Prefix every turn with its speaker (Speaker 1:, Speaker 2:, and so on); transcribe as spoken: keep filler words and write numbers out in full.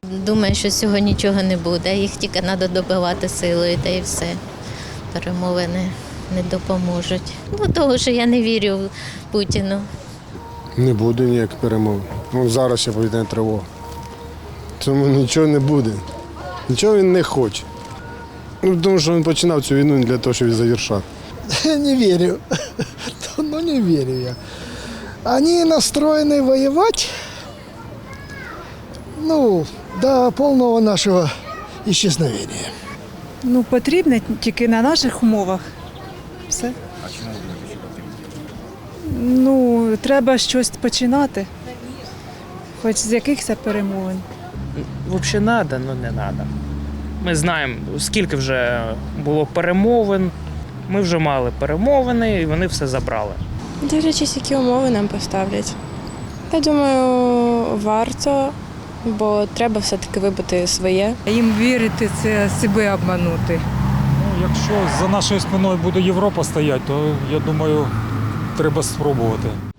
Speaker 1: Думаю, що з цього нічого не буде. Їх тільки треба добивати силою, та і все. Перемовини не допоможуть. Ну, того, що я не вірю Путіну.
Speaker 2: Не буде ніяких перемов. Ну, зараз ще повітряна тривога. Тому нічого не буде. Нічого він не хоче. Ну, тому що він починав цю війну не для того, щоб її завершати.
Speaker 3: Не верю. Ну, не верю я. Они настроены воевать, ну, до полного нашего исчезновения.
Speaker 4: Ну, потрібно тільки на наших умовах. Все.
Speaker 5: А чому не
Speaker 4: Ну, треба щось починати. Хоч з якихось перемовин.
Speaker 6: Взагалі треба, але не треба. Ми знаємо, скільки вже було перемовин. Ми вже мали перемовини і вони все забрали.
Speaker 7: Дивлячись, які умови нам поставлять. Я думаю, варто, бо треба все-таки вибити своє.
Speaker 8: Їм вірити – це себе обманути.
Speaker 9: Ну, якщо за нашою спиною буде Європа стояти, то я думаю, треба спробувати.